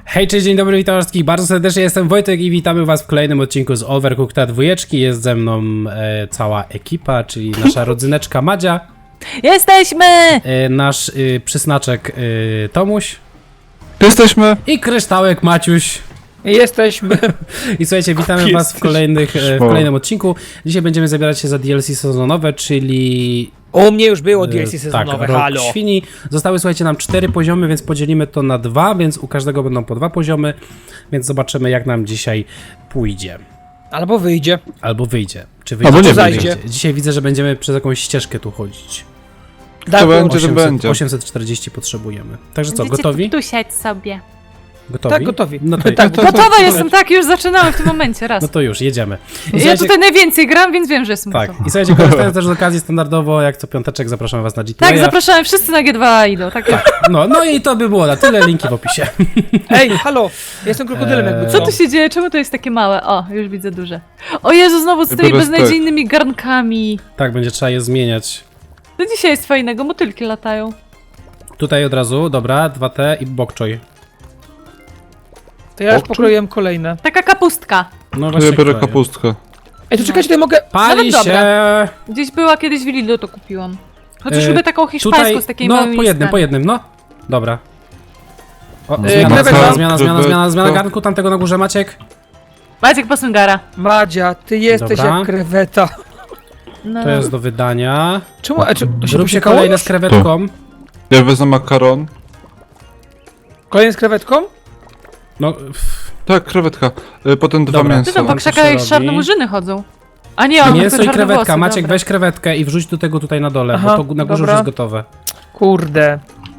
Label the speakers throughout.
Speaker 1: Hej, cześć, dzień dobry, witam wszystkich bardzo serdecznie, jestem Wojtek i witamy was w kolejnym odcinku z Overcooked 2. Jest ze mną cała ekipa, czyli nasza rodzyneczka Madzia.
Speaker 2: Jesteśmy!
Speaker 1: Nasz przysnaczek Tomuś.
Speaker 3: Jesteśmy!
Speaker 1: I kryształek Maciuś.
Speaker 2: Jesteśmy!
Speaker 1: I słuchajcie, witamy was w kolejnym odcinku. Dzisiaj będziemy zabierać się za DLC sezonowe, czyli...
Speaker 2: U mnie już było DLC sezonowe,
Speaker 1: tak, Rok
Speaker 2: halo!
Speaker 1: Świni. Zostały, słuchajcie, nam 4 poziomy, więc podzielimy to na 2, więc u każdego będą po 2 poziomy, więc zobaczymy, jak nam dzisiaj pójdzie.
Speaker 2: Albo wyjdzie.
Speaker 1: Albo wyjdzie. Czy wyjdzie,
Speaker 3: Albo nie
Speaker 1: czy
Speaker 2: wyjdzie.
Speaker 1: Dzisiaj widzę, że będziemy przez jakąś ścieżkę tu chodzić.
Speaker 3: To będzie, to będzie.
Speaker 1: 840 potrzebujemy. Także co,
Speaker 4: Będziecie
Speaker 1: gotowi?
Speaker 4: tu siać sobie.
Speaker 1: Gotowi?
Speaker 2: Tak, gotowi.
Speaker 1: No to,
Speaker 2: Tak,
Speaker 4: Gotowa jestem, tak, już zaczynamy w tym momencie, raz.
Speaker 1: no to już, jedziemy. I
Speaker 4: Ja
Speaker 1: słuchajcie-
Speaker 4: tutaj najwięcej gram, więc wiem, że jestem
Speaker 1: Tak,
Speaker 4: gotowa.
Speaker 1: i słuchajcie, korzystając też z okazji standardowo, jak co piąteczek zapraszamy was na G2.
Speaker 4: Tak, zapraszamy wszyscy na G2 idą, tak.
Speaker 1: No i to by było na tyle, linki w opisie.
Speaker 2: Ej, halo! Jestem krokodylem jakby
Speaker 4: Co tu się dzieje? Czemu to jest takie małe? O, już widzę duże. O Jezu, znowu z tymi
Speaker 3: Biorę
Speaker 4: beznadziejnymi garnkami.
Speaker 1: Tak, będzie trzeba je zmieniać.
Speaker 4: To dzisiaj jest fajnego, motylki latają.
Speaker 1: Tutaj od razu, dobra, 2T i bok choy.
Speaker 2: To ja już
Speaker 3: Okczu?
Speaker 2: pokroiłem kolejne.
Speaker 4: Taka kapustka.
Speaker 1: No
Speaker 3: To
Speaker 1: właśnie.
Speaker 3: ja biorę
Speaker 1: kroję.
Speaker 3: kapustkę.
Speaker 2: Ej, to czekajcie, tutaj mogę...
Speaker 1: Pali
Speaker 4: Nawet
Speaker 1: się!
Speaker 4: Gdzieś była kiedyś w Lidlu, to kupiłam. Chociaż
Speaker 1: E,
Speaker 4: lubię taką hiszpańską
Speaker 1: Tutaj,
Speaker 4: z takimi
Speaker 1: no
Speaker 4: małymi
Speaker 1: po jednym,
Speaker 4: listami.
Speaker 1: no. Dobra. O,
Speaker 2: krewetka.
Speaker 1: zmiana garnku, tamtego na górze, Maciek.
Speaker 4: Maciek Posungara.
Speaker 2: Madzia, ty jesteś
Speaker 1: Dobra.
Speaker 2: jak kreweta.
Speaker 4: No.
Speaker 1: To jest do wydania.
Speaker 2: Czemu? A, czy to się
Speaker 1: Zrób się
Speaker 2: posiekało
Speaker 1: kolejne
Speaker 2: już?
Speaker 1: z krewetką.
Speaker 3: Ja wezmę makaron.
Speaker 2: Kolejny z krewetką?
Speaker 1: No,
Speaker 3: Tak, krewetka. Potem dwa
Speaker 1: Dobra.
Speaker 4: Ty
Speaker 3: mięsa.
Speaker 4: tam po
Speaker 1: Co
Speaker 4: krzakach
Speaker 1: robi?
Speaker 4: czarne murzyny chodzą. A nie, on
Speaker 1: mięso
Speaker 4: tylko
Speaker 1: i krewetka.
Speaker 4: czarnowłosy,
Speaker 1: Maciek,
Speaker 4: dobra.
Speaker 1: weź krewetkę i wrzuć do tego tutaj na dole,
Speaker 2: Aha,
Speaker 1: bo to na górze
Speaker 2: dobra.
Speaker 1: już jest gotowe.
Speaker 2: Kurde.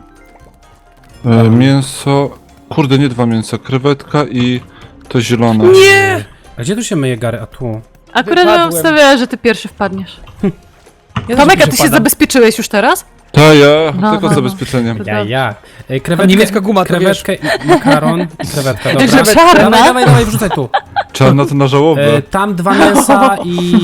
Speaker 3: Mięso. Kurde, nie dwa mięsa. Krewetka i to zielone.
Speaker 2: Nie!
Speaker 1: A gdzie tu się myje gary? A tu.
Speaker 4: Akurat bym
Speaker 2: Wypadłem.
Speaker 4: obstawiała, że ty pierwszy wpadniesz.
Speaker 2: Ja
Speaker 4: Tomek, a
Speaker 2: też
Speaker 4: ty się
Speaker 2: padam.
Speaker 4: zabezpieczyłeś już teraz?
Speaker 3: Ta ja,
Speaker 4: No,
Speaker 3: tylko
Speaker 4: no,
Speaker 3: z
Speaker 4: no.
Speaker 3: zabezpieczeniem.
Speaker 1: Ja.
Speaker 2: A niemiecka guma, to
Speaker 1: krewetkę, i makaron i krewetka, dobra.
Speaker 2: Krewetkę.
Speaker 4: Czarna?
Speaker 1: Dawaj, wrzucaj tu.
Speaker 3: Czarna to na żałobę.
Speaker 1: Tam 2 mięsa i...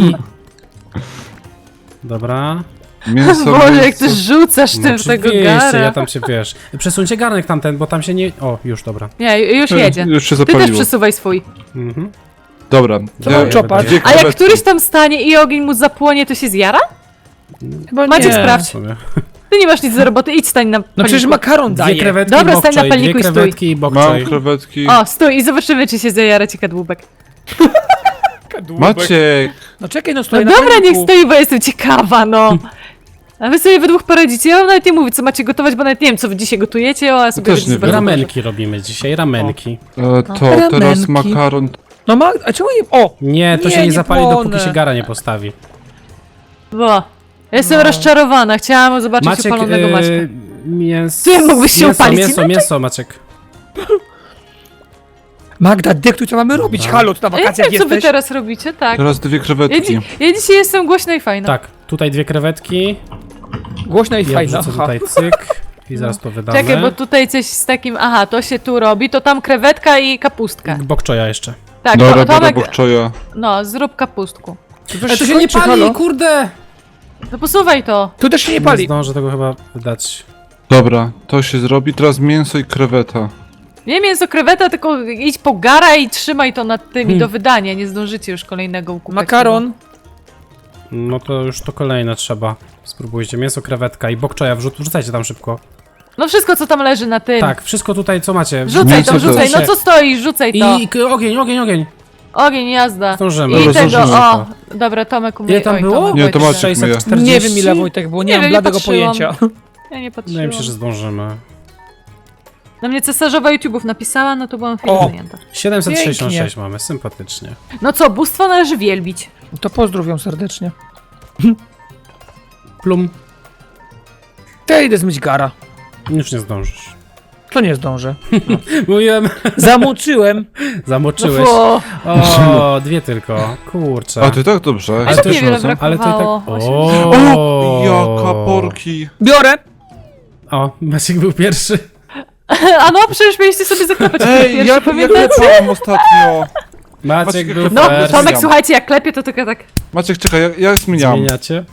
Speaker 1: Dobra.
Speaker 3: Mięso,
Speaker 4: Boże, jak
Speaker 3: mięso.
Speaker 4: ty rzucasz tym w tego
Speaker 1: oczywiście,
Speaker 4: gara.
Speaker 1: ja tam się, wiesz... Przesuńcie garnek tamten, bo tam się nie... O, już, dobra.
Speaker 4: Nie, już jedzie.
Speaker 3: Już się
Speaker 4: Ty też
Speaker 3: zapaliło.
Speaker 4: przesuwaj swój.
Speaker 1: Mhm.
Speaker 3: Dobra.
Speaker 2: Co mam czopać?
Speaker 3: dwie
Speaker 4: A jak
Speaker 3: krewetki.
Speaker 4: któryś tam stanie i ogień mu zapłonie, to się zjara?
Speaker 2: Chyba
Speaker 4: Maciek,
Speaker 2: nie.
Speaker 4: sprawdź.
Speaker 1: W sumie.
Speaker 4: Ty nie masz nic do roboty, idź stań na
Speaker 2: No przecież
Speaker 4: paliku.
Speaker 2: makaron
Speaker 1: Dwie
Speaker 2: daje.
Speaker 1: krewetki
Speaker 4: Dobra,
Speaker 1: i
Speaker 4: stań na
Speaker 1: bok choy,
Speaker 4: palniku
Speaker 1: dwie
Speaker 4: i stój.
Speaker 1: krewetki i bok
Speaker 3: Mam
Speaker 1: choy.
Speaker 3: krewetki.
Speaker 4: O, stój i zobaczymy, czy się zajara ci kadłubek.
Speaker 3: Maciek!
Speaker 2: No czekaj, no
Speaker 4: No
Speaker 2: stoi na
Speaker 4: dobra,
Speaker 2: palniku.
Speaker 4: niech stoi, bo jestem ciekawa, no. A wy sobie we dwóch poradzicie. Ja wam nawet nie mówię, co macie gotować, bo nawet nie wiem, co wy dzisiaj gotujecie, a ja sobie
Speaker 3: Też
Speaker 4: będę
Speaker 3: nie
Speaker 4: zobaczyć.
Speaker 3: wiem.
Speaker 1: Ramenki robimy dzisiaj, ramenki.
Speaker 3: To teraz
Speaker 2: Ramenki.
Speaker 3: makaron.
Speaker 2: No ma... A czemu nie... O!
Speaker 1: Nie, to
Speaker 2: Nie,
Speaker 1: się nie
Speaker 2: nie
Speaker 1: zapali,
Speaker 2: płonę.
Speaker 1: dopóki się gara nie postawi.
Speaker 4: Bo. Jestem
Speaker 2: No.
Speaker 4: rozczarowana, chciałam zobaczyć
Speaker 1: Maciek,
Speaker 4: upalonego Maćka.
Speaker 1: mięso...
Speaker 4: Ty mógłbyś się upalić
Speaker 1: Mięso, Maciek.
Speaker 2: Magda, dyktuj, co mamy robić? Halo, tu na
Speaker 4: Ja nie
Speaker 2: wakacjach
Speaker 4: wiem, co wy
Speaker 2: jesteś?
Speaker 4: teraz robicie, tak.
Speaker 3: Teraz dwie
Speaker 4: Ja,
Speaker 3: krewetki.
Speaker 4: ja dzisiaj jestem głośna i fajna.
Speaker 1: Tak, tutaj 2 krewetki.
Speaker 2: Głośno i
Speaker 1: Ja
Speaker 2: fajna.
Speaker 1: wrzucę
Speaker 2: Aha.
Speaker 1: tutaj cyk. I zaraz to wydamy.
Speaker 4: Czekaj, bo tutaj coś z takim... Aha, to się tu robi, to tam krewetka i kapustka.
Speaker 1: Bok choya jeszcze.
Speaker 4: Tak,
Speaker 3: Dobra, biorę
Speaker 4: Tomek,
Speaker 3: bokczoja.
Speaker 4: no, zrób kapustku.
Speaker 1: Ale to się nie pali,
Speaker 2: halo?
Speaker 1: kurde!
Speaker 4: No posuwaj to.
Speaker 2: Tu też się nie
Speaker 1: Nie
Speaker 2: pali.
Speaker 1: zdążę tego chyba wydać.
Speaker 3: Dobra, to się zrobi. Teraz mięso i kreweta.
Speaker 4: Nie mięso kreweta, tylko idź po gara i trzymaj to nad tymi do wydania. Nie zdążycie już kolejnego ukupać.
Speaker 2: Makaron.
Speaker 1: No to już to kolejne trzeba. Spróbujcie. Mięso, krewetka i bok choya. Wrzucajcie tam szybko.
Speaker 4: No wszystko, co tam leży na tym.
Speaker 1: Tak, wszystko tutaj, co macie.
Speaker 4: Rzucaj
Speaker 3: Mięso
Speaker 4: to, rzucaj.
Speaker 3: też.
Speaker 4: No co stoisz, rzucaj to.
Speaker 1: Ogień.
Speaker 4: Ogień, jazda.
Speaker 1: Zdążymy.
Speaker 4: I
Speaker 3: Dobra,
Speaker 4: tego,
Speaker 3: zdążymy.
Speaker 4: o. Dobra, Tomek umie.
Speaker 1: Ile tam
Speaker 4: Oj,
Speaker 1: było?
Speaker 4: Tomek,
Speaker 3: Nie, to
Speaker 4: oj,
Speaker 3: Maciek myje.
Speaker 1: 640?
Speaker 2: Nie wiem ile, Wojtek, było, nie
Speaker 4: Nie
Speaker 2: mam
Speaker 4: wiem, nie
Speaker 2: bladego
Speaker 4: patrzyłam.
Speaker 2: pojęcia.
Speaker 4: Ja nie patrzyłam.
Speaker 1: Wydaje mi się, że zdążymy.
Speaker 4: Na mnie cesarzowa YouTube'ów napisała, no to byłam chwilę
Speaker 2: O.
Speaker 4: zajęta.
Speaker 1: 766 mamy, sympatycznie.
Speaker 4: No co, bóstwo należy wielbić.
Speaker 2: To pozdrowiam serdecznie.
Speaker 1: Plum.
Speaker 2: To ja idę zmyć gara.
Speaker 1: Już nie zdążysz.
Speaker 2: To nie zdążę.
Speaker 1: Mówiłem,
Speaker 2: Zamoczyłem.
Speaker 1: zamoczyłeś.
Speaker 4: O,
Speaker 1: O, 2 tylko. Kurczę.
Speaker 3: A ty tak dobrze.
Speaker 1: Ale
Speaker 3: Jesteś
Speaker 1: to
Speaker 4: niewiele
Speaker 3: razem?
Speaker 1: Ale ty tak...
Speaker 4: brakowało.
Speaker 1: O,
Speaker 3: Jaka porki.
Speaker 2: Biorę.
Speaker 1: O, Maciek był pierwszy.
Speaker 4: A no, przecież mieliście sobie zaklepać
Speaker 3: Ej,
Speaker 4: pierwszy,
Speaker 3: ja
Speaker 4: pamiętacie?
Speaker 3: klepałem ostatnio.
Speaker 1: Maciek był
Speaker 4: No,
Speaker 1: pierwszy.
Speaker 4: Tomek, słuchajcie, jak klepie, to tylko tak...
Speaker 3: Maciek, czekaj, ja zmieniam.
Speaker 1: Zmieniacie?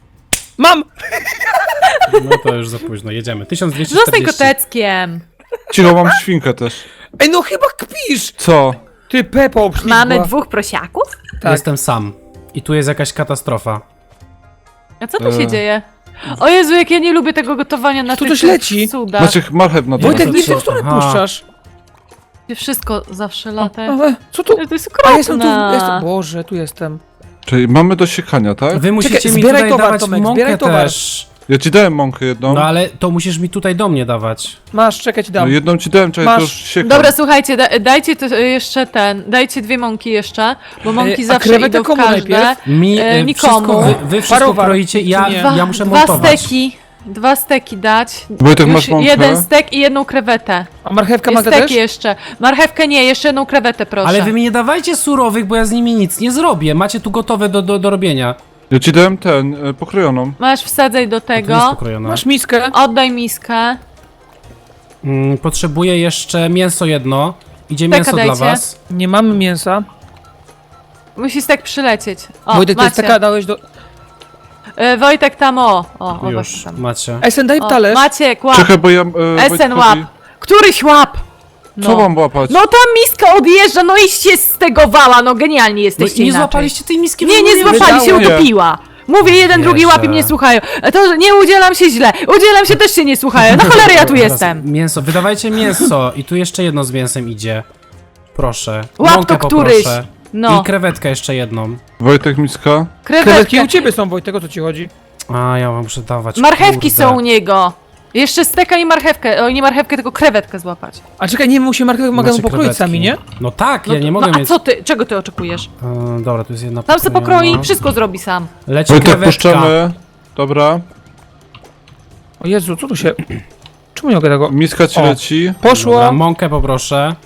Speaker 2: Mam!
Speaker 1: No to już za późno, jedziemy.
Speaker 4: Zostań
Speaker 1: 1240.
Speaker 4: koteckiem.
Speaker 3: Cicho, mam świnkę też.
Speaker 2: Ej, no chyba kpisz!
Speaker 3: Co?
Speaker 2: Ty, Pepo, obślizgła.
Speaker 4: Mamy 2 prosiaków?
Speaker 2: Tak.
Speaker 1: Jestem sam. I tu jest jakaś katastrofa.
Speaker 4: A co tu się dzieje? O Jezu, jak ja nie lubię tego gotowania na
Speaker 2: Tu
Speaker 4: tych
Speaker 2: coś leci.
Speaker 4: cudach.
Speaker 3: Maciek, marchew na dole.
Speaker 2: Wojtek,
Speaker 1: to
Speaker 2: nie w
Speaker 1: co?
Speaker 2: tę stronę
Speaker 1: Aha.
Speaker 2: puszczasz.
Speaker 4: Gdzie wszystko zawsze
Speaker 2: O,
Speaker 4: lata.
Speaker 2: co tu?
Speaker 4: To jest
Speaker 2: A jestem tu,
Speaker 4: okropne.
Speaker 2: jestem. Boże, tu jestem.
Speaker 3: Czyli mamy do siekania, tak?
Speaker 1: Wy musicie
Speaker 2: Czekaj,
Speaker 1: mi
Speaker 2: zbieraj
Speaker 1: tutaj
Speaker 2: towar,
Speaker 1: dawać
Speaker 2: Tomek,
Speaker 1: mąkę
Speaker 2: zbieraj towar.
Speaker 1: też.
Speaker 3: Ja ci dałem mąkę jedną.
Speaker 1: No ale to musisz mi tutaj do mnie dawać.
Speaker 2: Masz, czekaj, ci
Speaker 3: No
Speaker 2: dam.
Speaker 3: jedną ci dałem, czekaj,
Speaker 2: Masz.
Speaker 3: to już siekam.
Speaker 4: Dobra, słuchajcie, dajcie to jeszcze dajcie 2 mąki jeszcze, bo mąki
Speaker 2: a
Speaker 4: zawsze
Speaker 2: krewetę
Speaker 4: idą w
Speaker 2: komu
Speaker 4: każde.
Speaker 2: najpierw?
Speaker 4: Nikomu.
Speaker 1: Wy wszystko
Speaker 2: Parowar.
Speaker 1: kroicie i ja,
Speaker 2: Nie.
Speaker 1: ja muszę
Speaker 4: Dwa
Speaker 1: montować.
Speaker 4: steki. 2 steki dać.
Speaker 3: Wojtek,
Speaker 4: Już
Speaker 3: masz mąkę?
Speaker 4: 1 stek i 1 krewetę.
Speaker 2: A marchewka
Speaker 4: I
Speaker 2: ma też?
Speaker 4: steki jeszcze. Marchewkę nie, jeszcze 1 krewetę proszę.
Speaker 1: Ale wy mi nie dawajcie surowych, bo ja z nimi nic nie zrobię. Macie tu gotowe do robienia.
Speaker 3: Ja ci dałem pokrojoną.
Speaker 4: Masz wsadzaj do
Speaker 1: To jest
Speaker 4: tego.
Speaker 1: pokrojone.
Speaker 2: Masz miskę?
Speaker 4: Oddaj miskę.
Speaker 1: Potrzebuję jeszcze mięso jedno. Idzie
Speaker 4: Steka
Speaker 1: mięso dla
Speaker 4: dajcie.
Speaker 1: was.
Speaker 2: Nie mamy mięsa.
Speaker 4: Musi stek przylecieć. O,
Speaker 2: Wojtek, to jest
Speaker 4: macie.
Speaker 2: taka, dałeś do...
Speaker 4: Wojtek tam o właśnie
Speaker 1: Już,
Speaker 4: tam.
Speaker 1: macie.
Speaker 2: Esen, daj
Speaker 4: O,
Speaker 2: talerz.
Speaker 4: Maciek, łap.
Speaker 3: Czekaj, bo ja...
Speaker 4: Esen
Speaker 3: Wojtkowi-
Speaker 4: łap. Któryś łap.
Speaker 3: Co mam łapać?
Speaker 4: No ta miska odjeżdża, no i się stegowała, no genialni
Speaker 1: No
Speaker 4: jesteście
Speaker 1: i nie
Speaker 4: inaczej.
Speaker 1: złapaliście tej miski.
Speaker 4: Nie, nie
Speaker 1: wydało.
Speaker 4: złapali, się
Speaker 3: Nie.
Speaker 4: utopiła. Mówię, jeden, drugi
Speaker 1: Wierzę.
Speaker 4: łap i mnie słuchają. To, że nie udzielam się źle. Udzielam się też się nie słuchają. Na cholerę ja tu
Speaker 1: Teraz
Speaker 4: jestem.
Speaker 1: Mięso, wydawajcie mięso. I tu jeszcze jedno z mięsem idzie. Proszę.
Speaker 4: Łap
Speaker 1: Mąkę
Speaker 4: to któryś.
Speaker 1: poproszę.
Speaker 4: No,
Speaker 1: I krewetkę jeszcze jedną.
Speaker 3: Wojtek, miska?
Speaker 2: Krewetki
Speaker 4: krewetki.
Speaker 2: u ciebie są, Wojtek, o co ci chodzi?
Speaker 1: A, ja wam muszę dawać.
Speaker 4: Marchewki
Speaker 1: kurde.
Speaker 4: są u niego. Jeszcze steka i marchewkę. O, nie marchewkę, tylko krewetkę złapać.
Speaker 2: A czekaj, nie, musimy marchewkę
Speaker 1: Macie
Speaker 2: mogę pokroić
Speaker 1: krewetki.
Speaker 2: sami, nie?
Speaker 1: No tak,
Speaker 4: No,
Speaker 1: ja nie mogę
Speaker 4: a
Speaker 1: mieć.
Speaker 4: co ty, czego ty oczekujesz?
Speaker 1: Dobra, tu jest jedna
Speaker 4: Tam se
Speaker 1: pokrojona.
Speaker 4: pokroi i wszystko zrobi sam.
Speaker 1: Leci
Speaker 3: Wojtek,
Speaker 1: krewetka.
Speaker 3: puszczamy. Dobra.
Speaker 2: O Jezu, co tu się... Czemu nie mogę tego...
Speaker 3: Miska ci
Speaker 2: O.
Speaker 3: leci.
Speaker 2: Poszło!
Speaker 1: Dobra, mąkę poproszę.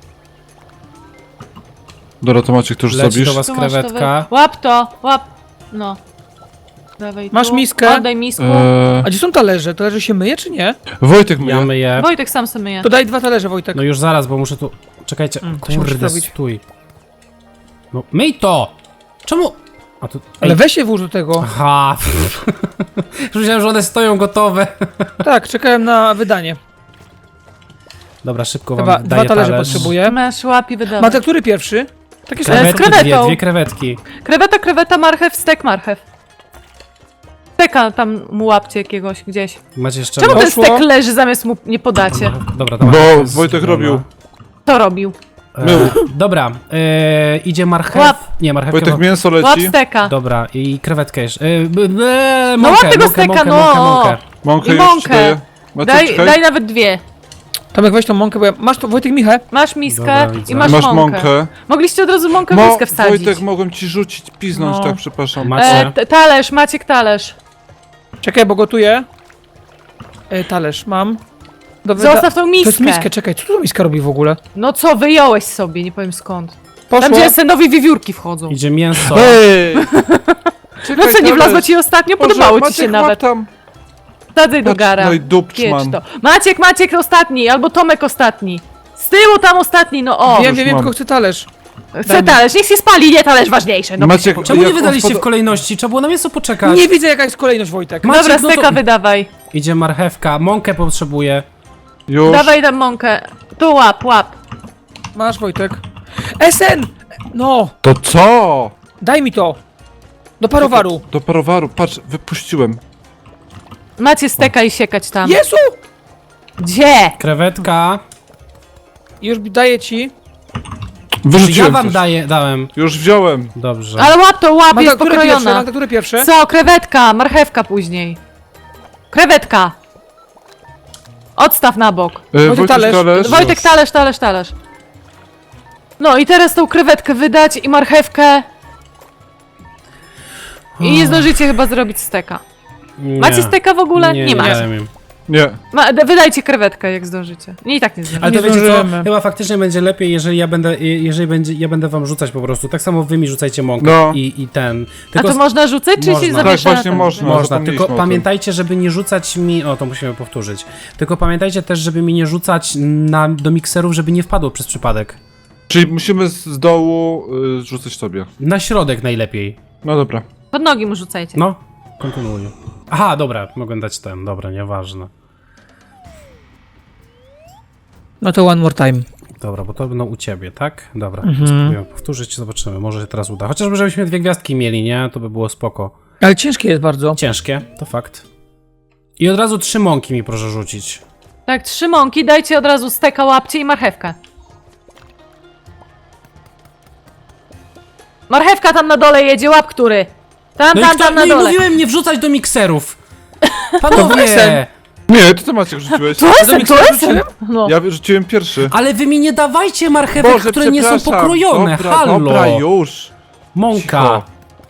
Speaker 3: Dobra, to Maciek, to już
Speaker 1: Leci
Speaker 3: zrobisz.
Speaker 1: do was
Speaker 4: Tu masz to
Speaker 1: krewetka.
Speaker 4: Łap to, łap. No. Dawaj
Speaker 2: Masz
Speaker 4: tu.
Speaker 2: miskę?
Speaker 4: Oddaj misku.
Speaker 2: A gdzie są talerze? Talerze się myje, czy nie?
Speaker 3: Wojtek
Speaker 1: Ja
Speaker 3: myje.
Speaker 1: myję.
Speaker 4: Wojtek sam sobie myje.
Speaker 2: To daj 2 talerze, Wojtek.
Speaker 1: No już zaraz, bo muszę tu... Czekajcie.
Speaker 2: to się musi
Speaker 1: Kurde,
Speaker 2: zrobić.
Speaker 1: stój. No, myj to! Czemu... A tu...
Speaker 2: Ale weź się włóż do tego.
Speaker 1: Aha. Już myślałem, że one stoją gotowe.
Speaker 2: Tak, czekałem na wydanie.
Speaker 1: Dobra, szybko
Speaker 2: Chyba
Speaker 1: wam
Speaker 2: 2
Speaker 1: daję
Speaker 2: talerze
Speaker 1: talerz.
Speaker 2: potrzebuję.
Speaker 4: Masz łap i wydawaj.
Speaker 2: Matek, który pierwszy? Takie są.
Speaker 1: Krewetki,
Speaker 4: krewetą.
Speaker 1: dwie krewetki.
Speaker 4: Kreweta, marchew, stek, marchew. Steka tam mu łapcie jakiegoś gdzieś.
Speaker 1: Macie jeszcze...
Speaker 4: Czemu ten
Speaker 2: Poszło.
Speaker 4: stek leży zamiast mu nie podacie?
Speaker 1: Dobra,
Speaker 3: Bo
Speaker 1: dawaj.
Speaker 3: Wojtek robił.
Speaker 4: To robił.
Speaker 1: Dobra, idzie marchew.
Speaker 4: Łap.
Speaker 1: Nie, marchewkę.
Speaker 3: Wojtek, mięso
Speaker 4: Łap
Speaker 3: leci.
Speaker 4: Dobra.
Speaker 1: Dobra, i krewetkę jeszcze.
Speaker 4: No łap tego steka,
Speaker 1: mąkę,
Speaker 4: no.
Speaker 1: mąkę.
Speaker 3: Mąkę
Speaker 4: I
Speaker 3: już ci
Speaker 4: mąkę.
Speaker 3: daję. Maciek,
Speaker 4: Daj,
Speaker 3: czekaj.
Speaker 4: daj nawet 2.
Speaker 2: Tomek, weź tą mąkę, bo ja... Masz to, Wojtek, Michę?
Speaker 4: Masz miskę
Speaker 1: Dobra, widzę.
Speaker 4: i masz,
Speaker 3: Masz
Speaker 4: mąkę.
Speaker 3: mąkę.
Speaker 4: Mogliście od razu mąkę w miskę wsadzić.
Speaker 3: Wojtek, mogłem ci rzucić, piznąć,
Speaker 2: No.
Speaker 3: tak, przepraszam.
Speaker 1: Macie.
Speaker 4: Talerz, Maciek talerz.
Speaker 2: Czekaj, bo gotuję. Talerz mam.
Speaker 4: Zostaw tą
Speaker 2: To
Speaker 4: miskę.
Speaker 2: jest miskę, czekaj, co tu miska robi w ogóle?
Speaker 4: No co, wyjąłeś sobie, nie powiem skąd.
Speaker 2: Poszło.
Speaker 4: Tam gdzie senowi wiewiórki wchodzą.
Speaker 1: Idzie mięso.
Speaker 3: Hej!
Speaker 4: No co, nie wlazło ci ostatnio? Podobało ci się nawet.
Speaker 3: Tam.
Speaker 4: Wsadzaj do
Speaker 3: Patrz,
Speaker 4: gara.
Speaker 3: no i
Speaker 4: Kiecz
Speaker 3: dupczman.
Speaker 4: to. Maciek ostatni, albo Tomek ostatni. Z tyłu tam ostatni, no o.
Speaker 2: Wiem, wiem,
Speaker 3: mam.
Speaker 2: tylko chcę talerz.
Speaker 4: Chcę talerz, niech się spali, nie talerz ważniejsze. No.
Speaker 3: Maciek,
Speaker 1: Czemu nie
Speaker 3: jak
Speaker 1: wydaliście
Speaker 3: on
Speaker 1: w kolejności? Trzeba było na mięso poczekać.
Speaker 2: Nie widzę, jaka jest kolejność, Wojtek.
Speaker 1: Maciek,
Speaker 4: Dobra,
Speaker 1: no to-
Speaker 4: steka wydawaj.
Speaker 1: Idzie marchewka, mąkę potrzebuję.
Speaker 3: Już.
Speaker 4: Dawaj tam mąkę. Tu łap.
Speaker 2: Masz, Wojtek. Esen! No,
Speaker 3: To co?
Speaker 2: daj mi to. Do parowaru.
Speaker 3: Do parowaru, patrz, wypuściłem.
Speaker 4: Macie steka i siekać tam.
Speaker 2: Jezu!
Speaker 4: Gdzie?
Speaker 1: Krewetka.
Speaker 2: Już daję ci.
Speaker 3: Wyrzuciłem
Speaker 1: Ja wam
Speaker 3: coś.
Speaker 1: dałem.
Speaker 3: Już wziąłem.
Speaker 1: Dobrze.
Speaker 4: Ale łap,
Speaker 2: Magda,
Speaker 4: jest
Speaker 2: które pierwsze?
Speaker 4: pokrojona.
Speaker 2: Magda, które pierwsze?
Speaker 4: Co? Krewetka, marchewka później. Krewetka. Odstaw na bok.
Speaker 3: Wojtek,
Speaker 2: talerz.
Speaker 3: talerz.
Speaker 4: Wojtek, talerz. No i teraz tą krewetkę wydać i marchewkę. I nie zdążycie chyba zrobić steka.
Speaker 1: Nie.
Speaker 4: Macie steka w ogóle? Nie macie.
Speaker 1: dałem im.
Speaker 3: Nie.
Speaker 4: Wydajcie krewetkę jak zdążycie. Nie, i tak nie zdążycie.
Speaker 1: Ale to
Speaker 2: Nie
Speaker 1: wiecie co?
Speaker 2: zdążymy.
Speaker 1: Chyba faktycznie będzie lepiej, jeżeli ja będę wam rzucać po prostu. Tak samo wy mi rzucajcie mąkę
Speaker 3: No.
Speaker 1: i ten.
Speaker 4: A
Speaker 1: Tylko
Speaker 4: to można rzucać, czy
Speaker 1: Można.
Speaker 4: się
Speaker 1: Tak,
Speaker 4: zawiesza?
Speaker 3: właśnie
Speaker 4: na
Speaker 3: można.
Speaker 1: można,
Speaker 3: zapomnieliśmy
Speaker 1: tylko
Speaker 3: o tym.
Speaker 1: pamiętajcie, żeby nie rzucać mi... O, to musimy powtórzyć. Tylko pamiętajcie też, żeby mi nie rzucać do mikserów, żeby nie wpadło przez przypadek.
Speaker 3: Czyli musimy z dołu rzucać sobie.
Speaker 1: Na środek najlepiej.
Speaker 3: No dobra.
Speaker 4: Pod nogi mu rzucajcie.
Speaker 1: No, kontynuuj. Aha, dobra, mogę dać ten. Dobra, nieważne.
Speaker 2: No to one more time.
Speaker 1: Dobra, bo to będą u ciebie, tak? Dobra, spróbuję powtórzyć, zobaczymy, może się teraz uda. Chociażby żebyśmy 2 gwiazdki mieli, nie? To by było spoko.
Speaker 2: Ale ciężkie jest bardzo.
Speaker 1: Ciężkie, to fakt. I od razu 3 mąki mi proszę rzucić.
Speaker 4: Tak, 3 mąki, dajcie od razu steka, łapcie i marchewkę. Marchewka tam na dole jedzie, łap który. Tam na
Speaker 1: no i
Speaker 4: dole.
Speaker 1: mówiłem nie wrzucać do mikserów.
Speaker 2: Weksel.
Speaker 1: Panowie!
Speaker 3: Nie, ty to Maciek rzuciłeś.
Speaker 4: To jestem! No.
Speaker 3: Ja rzuciłem pierwszy.
Speaker 1: Ale wy mi nie dawajcie marchewek,
Speaker 3: Boże,
Speaker 1: które nie są
Speaker 3: przepraszam.
Speaker 1: pokrojone,
Speaker 3: Dobra,
Speaker 1: halo!
Speaker 3: dobra, już.
Speaker 1: Mąka.
Speaker 3: Cicho.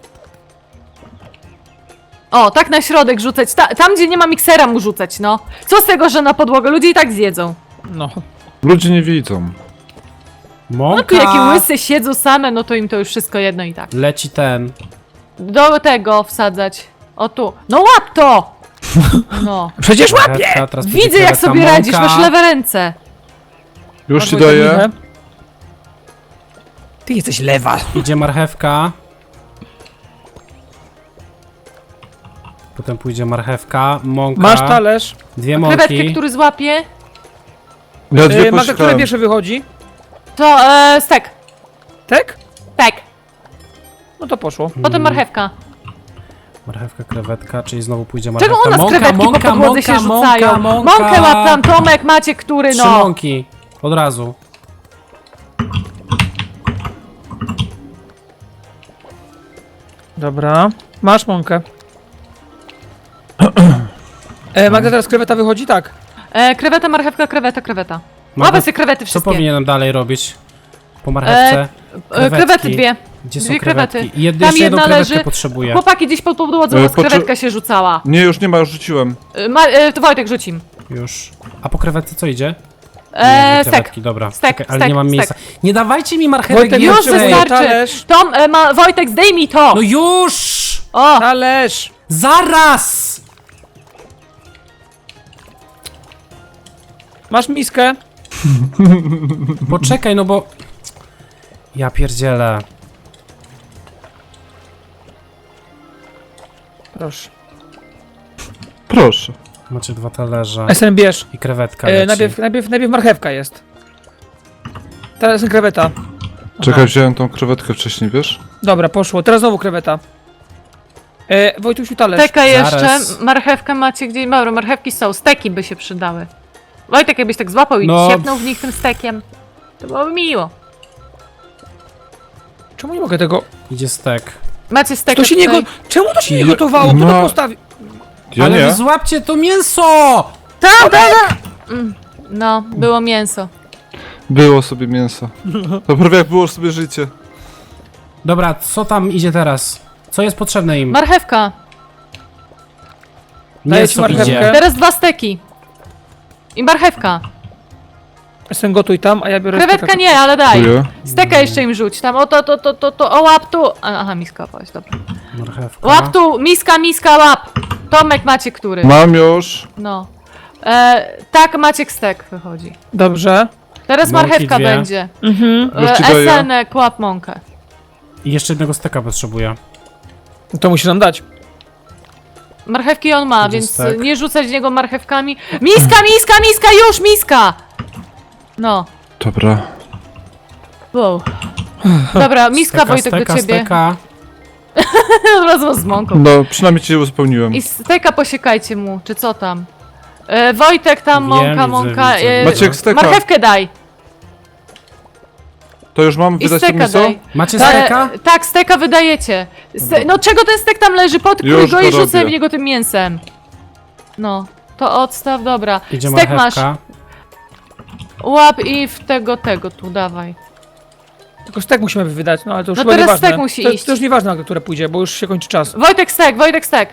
Speaker 4: O, tak na środek rzucać. Tam, gdzie nie ma miksera mu rzucać, no. Co z tego, że na podłogę? Ludzie i tak zjedzą.
Speaker 2: No.
Speaker 3: Ludzie nie widzą.
Speaker 1: Mąka.
Speaker 4: No tu jakie łyse siedzą same, no to im to już wszystko jedno i tak.
Speaker 1: Leci ten.
Speaker 4: Do tego wsadzać. O tu. No łap to! No.
Speaker 2: Przecież łapie!
Speaker 1: Marchewka, teraz będzie
Speaker 4: Widzę jak
Speaker 1: kreweta,
Speaker 4: sobie radzisz,
Speaker 1: mąka.
Speaker 4: masz lewe ręce.
Speaker 3: Już ci
Speaker 2: Masz Wojtek
Speaker 3: daję.
Speaker 2: michę? Ty jesteś lewa.
Speaker 1: Idzie marchewka. Potem pójdzie marchewka, mąka.
Speaker 2: Masz talerz.
Speaker 1: 2
Speaker 4: Krewetkę,
Speaker 1: mąki.
Speaker 4: który złapie,
Speaker 3: Ja dwie
Speaker 2: Magda, które
Speaker 3: poszukałem.
Speaker 2: pierwsze wychodzi?
Speaker 4: to stek.
Speaker 2: Tak?
Speaker 4: Tak.
Speaker 2: No to poszło.
Speaker 4: Potem marchewka.
Speaker 1: Marchewka, krewetka, czyli znowu pójdzie marchewka.
Speaker 4: Czego u nas
Speaker 1: mąka,
Speaker 4: krewetki
Speaker 1: mąka,
Speaker 4: po podłodze się
Speaker 1: mąka,
Speaker 4: rzucają?
Speaker 1: mąka.
Speaker 4: Mąkę łap tam, Tomek, macie który,
Speaker 1: 3
Speaker 4: no.
Speaker 1: mąki. Od razu.
Speaker 2: Dobra. Masz mąkę. Magda, teraz kreweta wychodzi? Tak.
Speaker 4: Kreweta, marchewka, kreweta.
Speaker 1: Magda,
Speaker 4: Łapę sobie krewety
Speaker 1: Co
Speaker 4: wszystkie.
Speaker 1: powinienem dalej robić? Po marchewce?
Speaker 4: Krewety dwie.
Speaker 1: Gdzie są
Speaker 4: dwie
Speaker 1: krewetki?
Speaker 4: krewety.
Speaker 1: I
Speaker 4: Tam
Speaker 1: jeszcze jedną
Speaker 4: jedna
Speaker 1: krewetkę
Speaker 4: leży.
Speaker 1: potrzebuję.
Speaker 4: Chłopaki gdzieś pod podłodze, u nas krewetka się rzucała.
Speaker 3: Nie, już nie ma, już rzuciłem.
Speaker 4: To Wojtek rzucim.
Speaker 1: Już. A po krewetce co idzie?
Speaker 4: Stek.
Speaker 1: Krewetki, dobra.
Speaker 4: Stek,
Speaker 1: Czekaj, ale
Speaker 4: stek,
Speaker 1: nie mam miejsca.
Speaker 4: stek.
Speaker 1: Nie dawajcie mi marchewek
Speaker 2: Wojtek,
Speaker 4: Już
Speaker 1: więcej.
Speaker 4: wystarczy.
Speaker 2: Talerz.
Speaker 4: Tom, Wojtek, zdejmij to!
Speaker 1: No już!
Speaker 4: O!
Speaker 2: Talerz!
Speaker 1: Zaraz!
Speaker 2: Masz miskę?
Speaker 1: Poczekaj, no bo... Ja pierdzielę.
Speaker 2: Proszę.
Speaker 3: Proszę.
Speaker 1: Macie 2 talerze.
Speaker 2: SN bierz.
Speaker 1: I krewetka leci.
Speaker 2: Najpierw marchewka jest. Teraz kreweta.
Speaker 3: Czekaj, wziąłem tą krewetkę wcześniej, wiesz?
Speaker 2: Dobra, poszło. Teraz znowu kreweta. Wojtusiu, talerz.
Speaker 4: Steka jeszcze,
Speaker 1: Zaraz.
Speaker 4: marchewkę macie gdzieś, dobra, marchewki są, steki by się przydały. Wojtek, jakbyś tak złapał i
Speaker 1: No.
Speaker 4: siepnął w nich tym stekiem, to byłoby miło.
Speaker 2: Czemu nie mogę tego...
Speaker 1: Idzie stek.
Speaker 4: Macie stek
Speaker 2: To się nie
Speaker 4: tutaj.
Speaker 2: go... Czemu to się nie
Speaker 3: Ja-
Speaker 2: gotowało? Kto
Speaker 3: no.
Speaker 2: to postawi?
Speaker 3: Ja
Speaker 1: Ale
Speaker 3: nie.
Speaker 1: wy złapcie to mięso!
Speaker 4: Tam! No, było mięso.
Speaker 3: Było sobie mięso. To prawie jak było sobie życie.
Speaker 1: Dobra, co tam idzie teraz? Co jest potrzebne im?
Speaker 4: Marchewka.
Speaker 2: Daję ci
Speaker 1: Mięso
Speaker 2: marchewkę.
Speaker 1: idzie.
Speaker 4: Teraz 2 steki. I marchewka.
Speaker 2: SN gotuj tam, a ja biorę...
Speaker 4: Krewetka
Speaker 2: steka.
Speaker 4: nie, ale daj.
Speaker 3: Dziękuję.
Speaker 4: Steka jeszcze im rzuć. Tam, o o łap tu. Aha, miska opaść, dobra.
Speaker 1: Marchewka.
Speaker 4: Łap tu, miska, łap. Tomek Maciek który?
Speaker 3: Mam już.
Speaker 4: No. Tak, Maciek stek wychodzi.
Speaker 2: Dobrze.
Speaker 4: Teraz
Speaker 1: Mąki
Speaker 4: marchewka
Speaker 1: 2.
Speaker 4: będzie.
Speaker 3: Już ci daję.
Speaker 4: Esenek, łap mąkę.
Speaker 1: I jeszcze jednego steka potrzebuję.
Speaker 2: To musi nam dać.
Speaker 4: Marchewki on ma,
Speaker 1: Idzie
Speaker 4: więc
Speaker 1: stek.
Speaker 4: nie rzucać w niego marchewkami. Miska, już miska! No.
Speaker 3: Dobra.
Speaker 4: Wow. Dobra, miska
Speaker 1: Steka,
Speaker 4: Wojtek
Speaker 1: steka,
Speaker 4: do ciebie.
Speaker 1: Steka.
Speaker 4: Razem z mąką.
Speaker 3: No, przynajmniej cię uzupełniłem.
Speaker 4: I steka posiekajcie mu, czy co tam? Wojtek tam,
Speaker 1: Wiem,
Speaker 4: mąka.
Speaker 1: widzę.
Speaker 3: Maciek, steka.
Speaker 4: Marchewkę daj.
Speaker 3: To już mam
Speaker 4: I
Speaker 3: wydać to
Speaker 4: steka
Speaker 3: mięso?
Speaker 4: daj.
Speaker 1: Macie steka?
Speaker 4: Tak, steka wydajecie. No czego ten stek tam leży? Podkrój
Speaker 3: Już
Speaker 4: go
Speaker 3: to
Speaker 4: i rzucaj
Speaker 3: robię.
Speaker 4: w niego tym mięsem. No, to odstaw, dobra.
Speaker 1: Idzie
Speaker 4: Stek masz.
Speaker 1: marchewka.
Speaker 4: Łap i w tego tu, dawaj.
Speaker 2: Tylko stek musimy wydać, no ale to już
Speaker 4: No
Speaker 2: chyba
Speaker 4: teraz
Speaker 2: nieważne.
Speaker 4: stek musi
Speaker 2: to,
Speaker 4: iść.
Speaker 2: to już nieważne, na które pójdzie, bo już się kończy czas.
Speaker 4: Wojtek stek.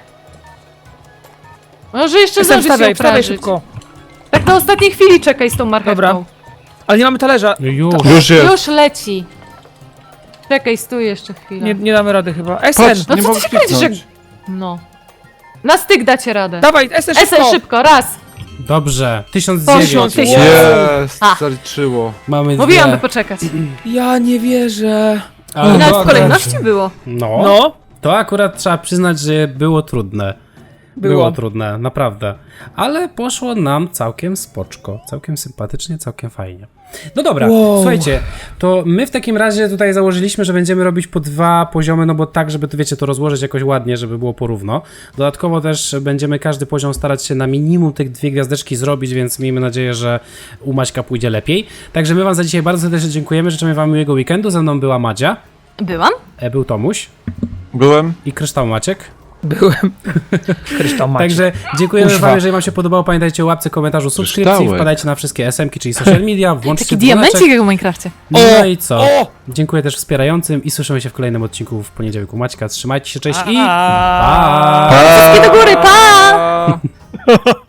Speaker 4: Może jeszcze
Speaker 2: Jestem,
Speaker 4: zdążyć się
Speaker 2: wstawaj
Speaker 4: uprażyć.
Speaker 2: szybko.
Speaker 4: Tak na ostatniej chwili czekaj z tą marchewką.
Speaker 2: Dobra. Ale nie mamy talerza.
Speaker 1: No już.
Speaker 3: Już jest.
Speaker 4: Już leci. Czekaj, stój jeszcze chwilę.
Speaker 2: Nie damy rady chyba. SN!
Speaker 3: Patrz,
Speaker 4: No
Speaker 3: nie
Speaker 4: co
Speaker 3: mogę
Speaker 4: ty się kręcisz,
Speaker 3: kliknąć.
Speaker 4: No. Na styk dacie radę.
Speaker 2: Dawaj, SN szybko!
Speaker 4: Esen szybko, raz.
Speaker 1: Dobrze. 1009.
Speaker 4: Poszło, 1000.
Speaker 3: Jest,
Speaker 4: A.
Speaker 3: zaliczyło.
Speaker 1: Mamy
Speaker 4: Mówiłam, by
Speaker 1: dwie.
Speaker 4: poczekać.
Speaker 2: Ja nie wierzę.
Speaker 1: Ale
Speaker 4: Nawet w
Speaker 1: dobra.
Speaker 4: kolejności było.
Speaker 1: No.
Speaker 2: No.
Speaker 1: To akurat trzeba przyznać, że było trudne. Było trudne, naprawdę. Ale poszło nam całkiem spoczko, całkiem sympatycznie, całkiem fajnie. No dobra, słuchajcie, to my w takim razie tutaj założyliśmy, że będziemy robić po 2 poziomy, no bo tak, żeby to wiecie, to rozłożyć jakoś ładnie, żeby było porówno. Dodatkowo też będziemy każdy poziom starać się na minimum tych 2 gwiazdeczki zrobić, więc miejmy nadzieję, że u Maćka pójdzie lepiej. Także my wam za dzisiaj bardzo serdecznie dziękujemy, życzymy wam miłego weekendu. Ze mną była Madzia,
Speaker 4: Byłam?
Speaker 1: był Tomuś
Speaker 3: Byłem.
Speaker 1: i Kryształ Maciek.
Speaker 2: Byłem. Kryształ Maciek.
Speaker 1: Także dziękujemy
Speaker 2: Kuźwa.
Speaker 1: wam, jeżeli wam się podobało, pamiętajcie o łapce, komentarzu, subskrypcji,
Speaker 3: Kryształek.
Speaker 1: wpadajcie na wszystkie SM-ki, czyli social media, włączcie
Speaker 4: Taki
Speaker 1: dzwoneczek.
Speaker 4: diamencik jak w Minecrafcie.
Speaker 1: No i co?
Speaker 2: O!
Speaker 1: Dziękuję też wspierającym i słyszymy się w kolejnym odcinku w poniedziałek u Maćka. Trzymajcie się, cześć i
Speaker 2: Pa!
Speaker 1: pa!
Speaker 4: Wszystkie do góry, pa!
Speaker 2: Pa!